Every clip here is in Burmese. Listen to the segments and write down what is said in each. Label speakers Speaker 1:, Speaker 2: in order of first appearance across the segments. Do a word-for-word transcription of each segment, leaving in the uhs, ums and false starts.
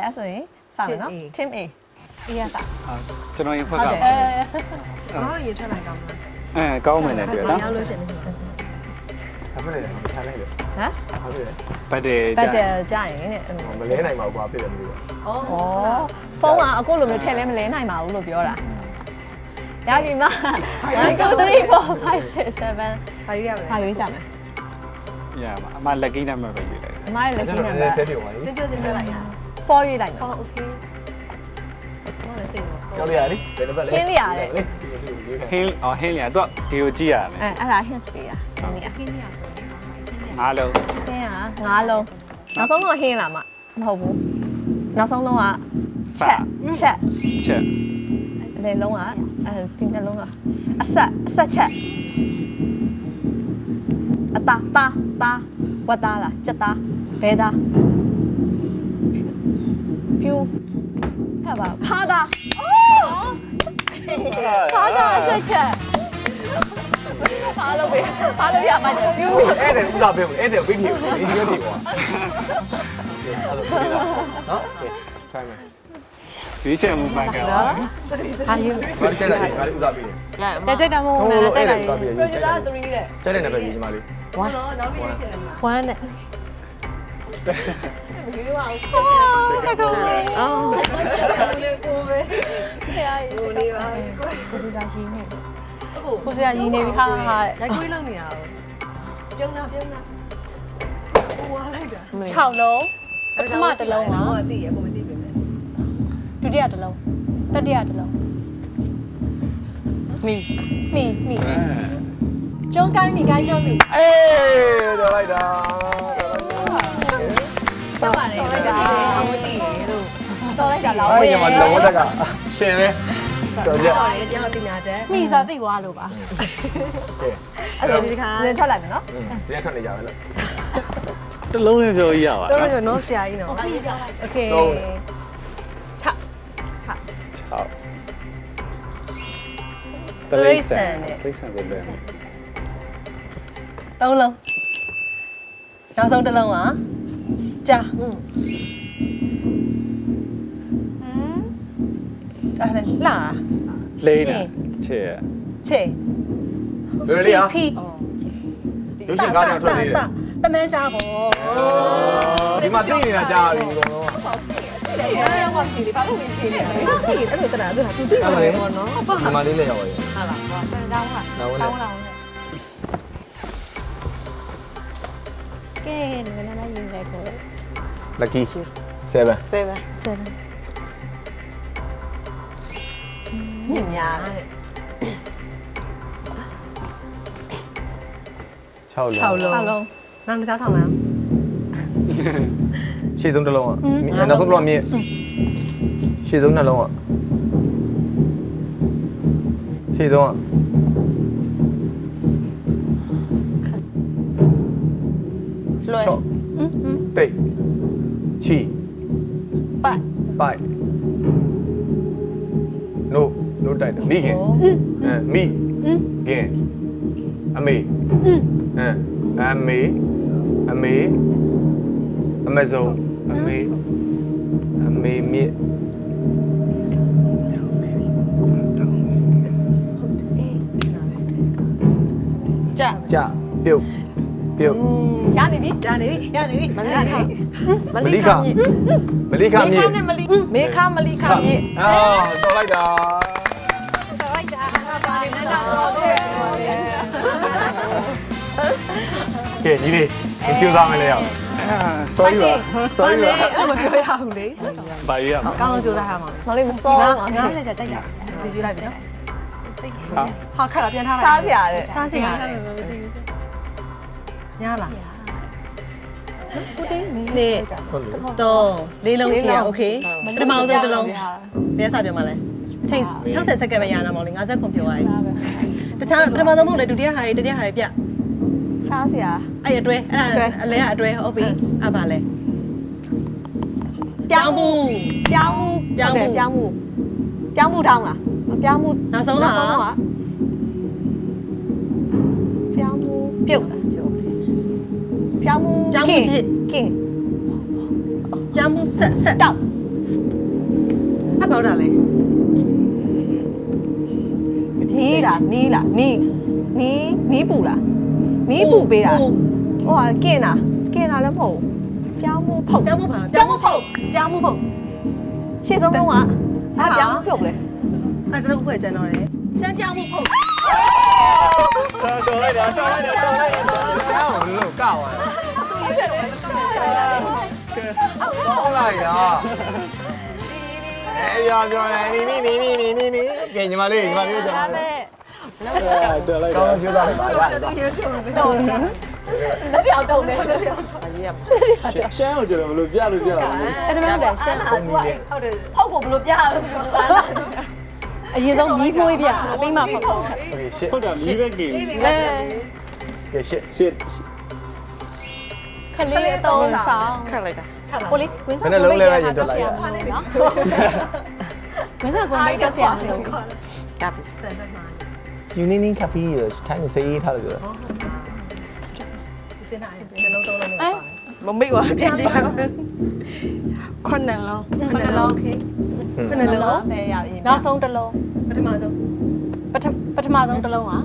Speaker 1: အဲ့ဆိုရင်စမယ်နော် team A အေးရတာ
Speaker 2: ဟာကျွန်တော်ရင်ဖက်က
Speaker 1: ဟုတ်တယ်
Speaker 3: အော်ရေထွက်လိုက်ကောင်းလား
Speaker 2: အဲကောင်းမယ်နဲ့တွေ့နော်
Speaker 3: ရောက်လို့ရှိရင်လည်းဆက်ဆက်
Speaker 4: ဘာဖြစ်လဲမထားလိုက်လေ
Speaker 1: ဟမ်
Speaker 4: ဘာဖြစ်လဲ
Speaker 2: ဘတ်တယ်
Speaker 1: ဘတ်တ
Speaker 2: ကြာ
Speaker 1: ယ်ကြာရင်တဲ့အဲ့လို
Speaker 4: မလဲနိုင်ပါဘူးကွာဖြစ်တယ်မလို့
Speaker 3: ဩ
Speaker 1: ဩဖုန်းကအခုလိုမျိုးထည့်လဲမလဲနိုင်ပါဘူးလို့ပြောတာရပြီမone two three four five six seven
Speaker 3: ဘာရွေးရမလဲ
Speaker 1: ဘာရွေးကြမလဲ
Speaker 2: ရမှာအမလက်ကင်းနံပါတ်ပဲယူလိုက်တယ်
Speaker 1: အမရဲ့ lucky number
Speaker 4: ဆဲပြေပါလေ
Speaker 3: စင်ကြစင်ကြလိုက်ရ
Speaker 1: four ရွေးလိုက်မယ်
Speaker 3: အော်โอเคဟောလည်းစိတ်တော့
Speaker 4: ကြောက်ရလေဘယ်လိုပဲလေ
Speaker 2: ဟင်းအော်ဟင်းလျာတော့ဒီကိုကြည့်ရတယ်
Speaker 1: အဲအဲ့ဒါ hints ပေးတာဟင်းရ
Speaker 3: ခင်းရဆိုရင်
Speaker 2: ငါးလုံး
Speaker 1: ဟင်းကငါးလုံးနောက်ဆုံးတော့ဟင်းလာမှာမဟုတ်ဘူးနောက်ဆုံးလုံးကချက်ချက်
Speaker 2: ချက်
Speaker 1: အလေလုံးကအဲဒီနှလုံးကအဆက်အဆက်ချက်အတာတာတာဝတ်သားလားချက်သားဘဲသားဖြူဟဲ့ပါဖားသားအိုးဖားသားအဆက်ချက်ဖားလို့ပဲဖားလို့ရမှာဖြူ
Speaker 4: အဲ့ဒါဥစားပေးဘူးအဲ့ဒါပြီးပြီဒီလိုဒီကွာနော်ခိုင်းမယ်
Speaker 2: ဒီချက်မပန်ကော
Speaker 3: ဟာယူ
Speaker 4: ဘာတက်လိုက်ဘာဥစားပေး
Speaker 3: ရ
Speaker 5: လက်ချက်တမို့နားတက်လိုက်
Speaker 4: ပြီး
Speaker 3: producer three တဲ့
Speaker 4: ကျတဲ့နံပါတ်ကြီးညီမလေး
Speaker 3: ဝမ်းတော့နောက်လေးရှင်းတယ်မှာ
Speaker 5: one နဲ့
Speaker 3: မရွေးပါဘူး
Speaker 5: စကောင်းလေး
Speaker 3: အော်လေကိုပဲ
Speaker 5: ဆရာကြီး
Speaker 3: ကိုလေးပါကို
Speaker 5: ကိုလူသားရင်းနေ
Speaker 3: အခု
Speaker 5: ကိုဆရာရင်းနေပြီဟာဟာ
Speaker 3: လက်ကွေးလောက်နေတာပြုံးတာပြုံးတာဟိုဝါလိုက်တာ
Speaker 5: 6လုံးပထမတစ်လုံး
Speaker 3: ဟော
Speaker 5: က
Speaker 3: သိရကိုမသိပြီမဲ့
Speaker 5: ဒုတိယတစ်လုံးတတိယတစ်လုံး
Speaker 3: မီ
Speaker 5: မိမိကျုံးကိုင်းမိကိုင်းကျုံးမိ
Speaker 4: အေးတော်လိုက်တာ
Speaker 1: ဆက်ပါလေဒါအမသိရေလို့တော်လိုက်တာလား
Speaker 4: အဲ့ညီမလောတက်ကရှင်ပဲတော်ကြ
Speaker 3: ဟောလေတရားပညာတတ်
Speaker 5: မိဆိုသိသွားလို့ပါ
Speaker 4: ကဲ
Speaker 3: အဲ့ဒါဒီခါ
Speaker 1: နင်ထွက်လိုက်မယ်နော်
Speaker 4: ဒီကထွက်နေကြပဲလို့
Speaker 2: တလုံးလေးပြောရပါ
Speaker 3: တော်
Speaker 2: နော်
Speaker 3: တော်နော်ဆရာကြီးနော်
Speaker 1: โอเคချချ
Speaker 2: 6တလေးဆန်တလေးဆန်ဆိုလွယ်မယ်
Speaker 1: သုံးလုံးနောက်ဆုံးတစ်လုံးကကြာ
Speaker 3: อืม
Speaker 5: ဟမ်
Speaker 1: အဲ့ဒါလှ
Speaker 2: လေးတာချက်
Speaker 1: ချေ
Speaker 4: လွယ်လေးဟာ
Speaker 1: ဖီ
Speaker 4: ရုပ်ရှင်ကားတွေထွက်နေတယ်
Speaker 3: တမန်းစားပေါ့
Speaker 4: ဒီမှာသိနေတာကြားပြီအကုန်လုံး
Speaker 3: အဲ့ဒါမှရှိတယ်ဘာလို့မရှိနေလဲအဲ့ဒါတနာသူကသူသိတယ်ပေါ့နော်
Speaker 4: ဒီမှာလေးလည်းရောက်ပါရဲ့
Speaker 5: ဟာလားဟောဆန်တောင်းလား
Speaker 4: နောက်ဝင်
Speaker 5: တောင်းလားကဲဒီမနက်မှယူလိုက်ကို
Speaker 4: lucky seven
Speaker 3: ဆယ်ပဲ
Speaker 5: seven
Speaker 1: ညင်များတဲ့
Speaker 4: 6လုံး
Speaker 3: 6လုံး
Speaker 1: 6လုံး
Speaker 3: နောက်တစ်ချောင်းထောင်လား
Speaker 4: ရှေ့ဆုံးတစ်လုံးอ่ะနောက်ဆုံးတစ်လုံးမြင့်ရှေ့ဆုံးနှလုံးอ่ะရှေ့ဆုံးอ่ะ
Speaker 1: လွယ်
Speaker 4: ချော့ပိတ်ချီ
Speaker 1: ပိုက်
Speaker 4: ပိုက်နို့နို့တိုက်တယ်မိခင်အဲမိခင်အမေအဲအမေအမေအမေဆုံးအမေအမေမြစ်
Speaker 1: ကြာ
Speaker 4: ကြပြုတ်ပြုတ်
Speaker 1: ရနေပြီ
Speaker 3: ရနေပြီရနေပြီမလိခ
Speaker 4: မလိခမလိခမြစ်
Speaker 1: နဲ့မလီမေခမလီခမြေ
Speaker 4: အာတော်လိုက်တာ
Speaker 1: တော်လိုက်တာပါနေတော့တယ်
Speaker 4: ကဲညီလေးကြိုးစားမယ်လေရအောင် sorry ပါ sorry ပါ
Speaker 3: အဲ့မပြောရဘူးလေ
Speaker 2: ဘာရရမ
Speaker 3: ကောင်းအောင်ကြိုးစားရမှာ
Speaker 1: မလေးမစော
Speaker 3: ငါ
Speaker 1: ပါ
Speaker 3: ငါလည်းကြိုက်တာဒီယူလိုက်ပြီနော်
Speaker 2: ဟာ
Speaker 3: ဟာခက်တာပြန်ထားလိုက်
Speaker 1: စားစရာတဲ့
Speaker 3: စားစရာ
Speaker 5: မသိဘူး
Speaker 3: ညာလား
Speaker 5: ကိုတင်းမင်း
Speaker 3: နေ
Speaker 4: ဟုတ်လို့
Speaker 3: တော့လေးလုံးရှိရโอเคပထမဆုံးတစ်လုံးဘယ်စားပြောမှလဲအချိန်60စက္ကန့်ပဲရအောင်မောင်လေး50ခွန်ပြောရည်တခြားပထမဆုံးမဟုတ်လေဒုတိယဟာတွေတတိယဟာတွေပြ
Speaker 1: စားစရာ
Speaker 3: အဲ့အတွဲအဲ့ဒါအလဲကအတွဲဟုတ်ပြီအဲ့ပါလဲ
Speaker 1: ပြောင်းမှုပြောင်းမှုပြောင်းမှုပြောင်းမှုပြောင်းမှုထောင်းလားပြောင်းမှု
Speaker 3: နောက်ဆုံးတော့
Speaker 1: ပြောင်းမှုပြုတ်လားကျော်ပြောင်းမှုကင်ကင်
Speaker 3: ပြောင်းမှုဆက်ဆက်
Speaker 1: တောက်
Speaker 3: အဘောက်တာလေမီးလားမီးလားမီးမီးမီးပူလားမီးပူပေးတာဟိုဟာကင်တာကင်တာလည်းမဟုတ်ပြောင်းမှုဖုတ်ပြောင်းမှုပါပြောင်းမှုဖုတ်ပြောင်းမှုဖုတ်ရှေ့ဆုံးဆုံးကဘာပြောင်းမှုပြုတ်လဲအဲ့ဒါတော့ဖွဲ့ကျန်တော့တယ်ရှမ်းပြောင်းမှုဖုတ်
Speaker 2: တော်လိုက်တာတော်လိုက်တာတော်လိုက်တာ
Speaker 4: ဆောင်းလို့ကောက်သွားဟုတ်လိုက်ရအေးရောပြောနေနီနီနီနီနီနီကဲညီမလေးညီမလေးကြောင်းလေ
Speaker 2: တော်လိုက်
Speaker 4: ကော
Speaker 2: တာ
Speaker 4: င်းပြောတာလေပါရတယ်
Speaker 1: လက်ပြောင်တုံနေလက်ပြောင်
Speaker 2: ရှမ်းကိုကျွန်တော်ဘယ်လိုပြလို့ပြတာလဲ
Speaker 5: အဲ့ဒါမှမဟုတ်ရှမ်း
Speaker 3: ဟုတ်တယ်ဟုတ်တယ်
Speaker 1: ဖောက်ကိုဘယ်လိုပြရလဲ
Speaker 5: အရင်ဆုံးမီးဖိုးပြအပိမဖောက်
Speaker 4: โอเคရှစ်
Speaker 2: ဟုတ်တာမီးပဲကင်
Speaker 5: အဲ
Speaker 4: ကဲရှစ်
Speaker 2: ရှစ်
Speaker 5: ခလေးအတုံးဆောင်ခက်လိုက်တာကိုလေးကွင်းစားနော်ကွင်းစားကွန်မိတ်တော့ဆရာမလို့ကပ်
Speaker 4: ယူနီနီကပီးထိုင်းကိုစေးထားလို့ပြောတာ
Speaker 3: တင်နိုင်တယ်လုံးသုံးလုံး
Speaker 5: အဲ
Speaker 3: မမိတ်ပါပြည့်ကြည့်ပါခွန်းနယ်လုံးခွန်းနယ်လုံးโอเคခွန်းနယ်လုံး
Speaker 1: ပဲရပြီ
Speaker 5: နောက်ဆုံးတစ်လုံး
Speaker 3: ပထမဆုံး
Speaker 5: ပထပထမဆုံးတစ်လုံးอ่ะ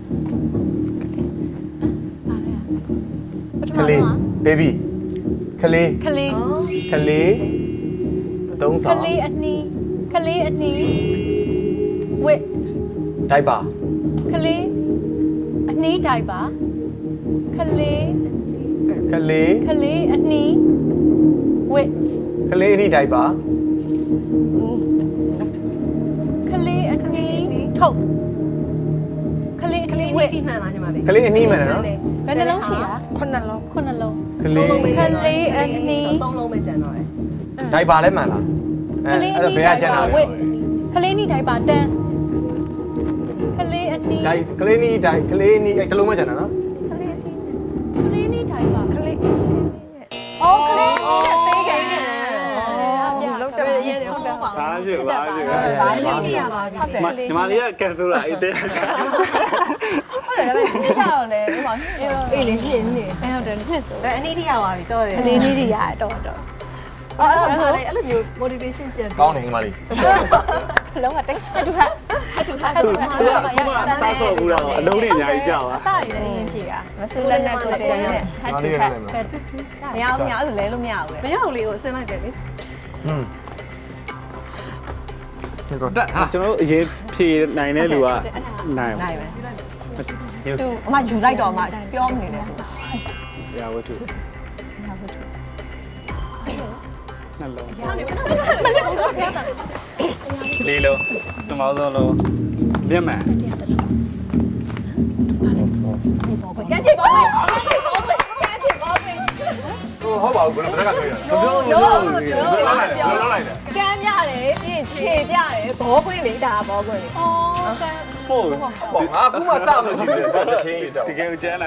Speaker 5: ပထမ
Speaker 4: ခလေး
Speaker 5: ဆုံး
Speaker 4: ဘေဘီခလေး
Speaker 5: ခလေး
Speaker 4: ခလေးအသုံး
Speaker 5: ခ
Speaker 4: ဆောင်
Speaker 5: လေးအနီးခလေးအနီးဝစ်
Speaker 4: ဒိုက်ပါ
Speaker 5: ခလေးအနီးတိုင်းပါခလေး
Speaker 4: ခလေး
Speaker 5: ခလေးအနီးဝစ်
Speaker 4: ခလေးအနိဒိုက်ပါ
Speaker 5: ခလေးအနီးထုတ်ခလေးအ
Speaker 3: က
Speaker 5: နီး
Speaker 3: လေး
Speaker 5: ဝ
Speaker 3: ဝ
Speaker 5: စ်
Speaker 3: စ်ကြည့်မှန်လားညီမလေး
Speaker 4: ခလေးအနှီးမှန်တယ်နော်
Speaker 5: ဘယ်နှလုံးရှိတာခုနှစ်လုံးခုနှစ်လုံး
Speaker 4: ခလေး
Speaker 5: ခလေးအနီး
Speaker 3: သုံးလုံးပဲကျန်တော့တယ်
Speaker 4: ဒိုက်ပါလည်းမှန်လား
Speaker 5: ခလေးအ
Speaker 4: အဲ့
Speaker 5: နီး
Speaker 4: ဘယ်ကရှင်းတာ
Speaker 5: ဝ
Speaker 4: လဲ
Speaker 5: စ်ခလေးအနီးတိုင်းပါတန်းခလေးအနီး
Speaker 4: ဒိုက်ခလေးနီးဒိုက်ခလေးနီးအဲ့တလုံးမှကျန်တာနော်
Speaker 5: ခလေးအနီးတိုင်းပါခလေး
Speaker 1: အော်ကလေးနဲ့သေးခဲ့တယ်
Speaker 5: လောက်တယ်ရဲတယ်ဟုတ်တယ်
Speaker 2: ဘာဖြစ်ဘာဖြစ်
Speaker 3: ဘာလို့ကြည့်ရပါပြီ
Speaker 1: ဟုတ်တယ်
Speaker 2: ညီမလေးကကန်ဆိုလာအေးတဲ့
Speaker 1: ဟုတ်တယ်ဒါပေမဲ့ဒီကတော့လေဒီမှာအေးလေးရှင်းနေ
Speaker 5: အဲဟုတ်တယ်နှစ်ဆို
Speaker 3: ဒါအနည်းထိရပါပြီတော့တယ်
Speaker 5: ကလေးလေးတွေရတော့တော့
Speaker 3: အော်အဲ့ဒါလည်းအဲ့လိုမျိုး motivation ပြန်
Speaker 4: ကောင်းတယ်ညီမလေး
Speaker 5: လုံးဝတိတ်ဆတူဟာ
Speaker 1: အတူထား
Speaker 5: အတူ
Speaker 1: တူ
Speaker 5: ဟာ
Speaker 1: ထား
Speaker 5: ရ
Speaker 2: ခုမှစားစော်ဘူးတော့အလုံးတွေအများကြီးကြာပါ
Speaker 5: အစားရည်လည်းရင်းဖြေတာ
Speaker 1: မဆူလက်နဲ့ကိုတဲနဲ့ဟတ်တူဖတ်မရဘူးမရဘူးလဲလို့မရဘူး
Speaker 3: မ
Speaker 1: လေ
Speaker 3: ရဘူးလေကိုအစင်းလိုက်တယ်လေ
Speaker 4: ဟွန်းဒီတော့
Speaker 2: တက်ဟာကျွန်တော်တို့အရင်ဖြေနိုင်တဲ့လူကနိုင်
Speaker 1: နိုင်ပဲသူအမယူလိုက်တော့အမပြောမနေနဲ့သူ
Speaker 2: ရဝတ္ထုနှလုံးလေးလုံးတမောင်းဆုံးလုံးမျက်မှန်
Speaker 1: ကြမ်းချစ်ပါမယ်ကြမ်းချစ်ပါမယ်
Speaker 4: ဟိုဟုတ်ပါဘူးဘယ်လိုတက်ကတွေ့ရလဲ
Speaker 1: ဘလို့လို့
Speaker 4: ဘယ်လိုလုပ်လိုက်လဲဘယ်လိုလုပ်လိုက်လဲ
Speaker 1: ကမ်းပြတယ်ပြီးရင်ခြေပြတယ်ဘောခွင်းလေးဒါဘောခွင်းလေး
Speaker 5: အော်ကဲ
Speaker 2: ပို့
Speaker 4: ပေါ့ငါအခုမှစမလို့ရှိတယ်ဘာချက်ချင်းတော့
Speaker 2: တကယ်ကိုကျန်းလား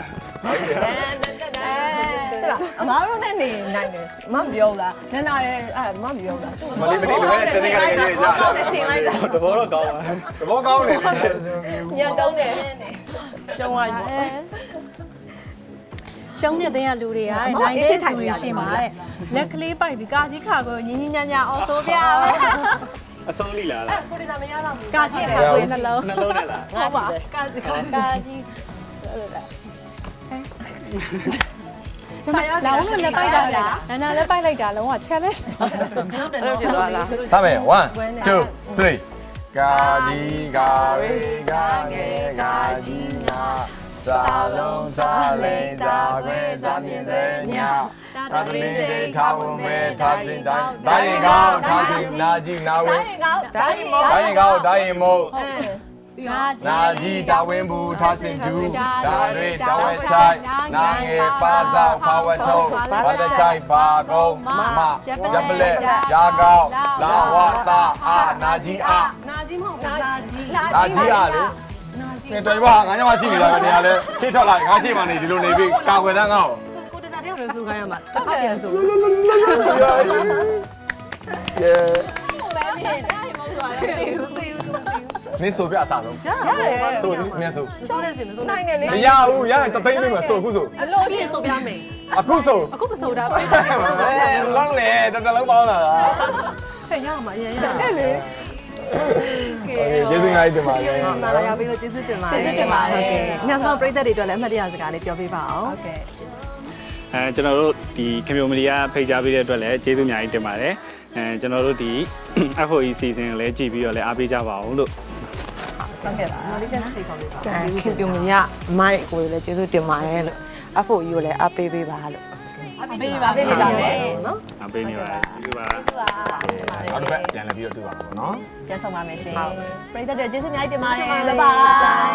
Speaker 1: ဟုတ်လားအမားတို့နဲ့နေနိုင်တယ်အမမပြောဘူးလားနန္ဒာရဲ့အဲ့မမပြောဘူးလား
Speaker 4: မလေးမလေးလိုပဲစနေကလေးရေးကြ
Speaker 1: တင်လိုက်တာ
Speaker 2: တဘောတော့ကောင်းပါ
Speaker 4: တဘောကောင်းတယ်လေ
Speaker 1: ညံတုံးတယ်
Speaker 3: ရှုံးသွားပြီ
Speaker 5: ရှုံးတဲ့တဲ့လူတွေကနိုင်တဲ့လူတွေရှင်ပါတဲ့လက်ကလေးပိုက်ပြီးကာကြီးခါကိုညင်းညင်းညာညာအောင်ဆိုပြပဲ
Speaker 2: အဆုံးလိလား
Speaker 3: ကိုရီးယားမရတော့ဘူး
Speaker 5: ကာကြီးခါကိုနှလုံး
Speaker 2: နှလုံးနဲ့လား
Speaker 5: ဟုတ်ပါ
Speaker 3: ကာကာ
Speaker 5: ကာကြီးလောင်းလည်းပိုက်တာလားနာနာလည်းပိုက်လိုက်တာလုံးဝ challenge
Speaker 3: ဟုတ်တယ်နော်ဖြစ်သွားလား
Speaker 4: သားမယ်one two three ကာကြီးကာဝေးကာငယ်ကာကြီးညာစာလုံးစာလိန်စာခွဲစာမြင်စေညာတာတလင်းတိထားဝင်ပဲထားစင်တိုင်းဒိုင်းကောင်းထားကြည့်နာကြည့်နာဝဲ
Speaker 1: တိုင်းကောင်းတိုင်းမော
Speaker 4: ဒိုင်းကောင်းဒိုင်းမို့
Speaker 5: ကာကြီး
Speaker 4: နာကြီးတာဝင်းဘူးထားစင်တူဒါတွေတာဝဲချိုင်နာငယ်ပါစားပါဝတ်ထုံးဘာတချိုင်ပါကုန်းမရပ်ပလက်ရာကောင်းလာဝတာအာနာကြီးအာ
Speaker 3: နာကြီးမဟုတ်ဘူးနာကြီး
Speaker 4: နာကြီးအာလေကဲတော်ပါငါညမရှိနေတာကနေရာလဲရှေ့ထွက်လာငါရှေ့မှာနေဒီလိုနေပြီကာကွယ်တန်းငါ့ကို
Speaker 3: ကိုတစားတယောက်လည်းဆိုခိုင်းရမှာတစ်ဖက်ပြန်ဆို
Speaker 4: ယေ
Speaker 1: ပဲမြေတိုင်းမောဆိုတာလေ
Speaker 3: သေဘူးသေဘူးသေဘူး
Speaker 4: နင်းဆိုပြအစားဆုံး
Speaker 3: ကြားရတယ်
Speaker 4: ဆိုမြတ်ဆို
Speaker 3: ဆိုတဲ့စင်မဆို
Speaker 1: နိုင်တယ်လေ
Speaker 4: မရဘူးရရင်တသိန်းပေးမှာဆိုအခုဆို
Speaker 3: အလို့ပြည့်ဆိုပြမယ်
Speaker 4: အခုဆို
Speaker 3: အခုမဆိုတာပြ
Speaker 4: အဲလုံးလေတတလုံးပေါင်းလာတာ
Speaker 3: ဖယ်ရအောင်မအရင်ရအဲ့လေ
Speaker 4: โอเคကျေးဇူးများတင်ပါတယ်
Speaker 3: လာလာရောက်ပြီးလို့ကျေးဇူးတင်ပါတယ်
Speaker 1: ကျေးဇူးတင်ပါတယ်
Speaker 3: ဟုတ်ကဲ့ညသောပရိသတ်တွေအတွက်လည်းအမှတ်တရစကားလေးပြောပြပါအောင်
Speaker 1: ဟုတ်ကဲ့
Speaker 2: အဲကျွန်တော်တို့ဒီခင်ဗျိုမီဒီယာဖိတ်ကြားပေးတဲ့အတွက်လည်းကျေးဇူးအများကြီးတင်ပါတယ်အဲကျွန်တော်တို့ဒီ F O E season ကိုလည်းကြည့်ပြီးတော့လည်းအားပေးကြပါအောင်လို့
Speaker 1: ဟုတ်ကဲ့ပါ
Speaker 3: မလေးကဖိတ်ခေါ်ပေးပါ
Speaker 6: ခင်ပြုံမရမိုက်ကိုလည်းကျေးဇူးတင်ပါတယ်လို့ F O E ကိုလည်းအပေးပေးပါလို့
Speaker 1: ပေးပါပေးပါမယ်
Speaker 3: နော်
Speaker 2: အားပေးနေပါတယ်ကျေးဇူးပါ
Speaker 1: ကျေးဇူးပါ
Speaker 4: နောက်တစ်ပတ်ပြန်လည်ပြီးတော့တွေ့ပါမယ်နော်
Speaker 1: ပြန်ဆောင်ပါမယ်ရှင်ပရိသတ်တွေကျေးဇူးအများကြီးတင်ပါတယ် bye bye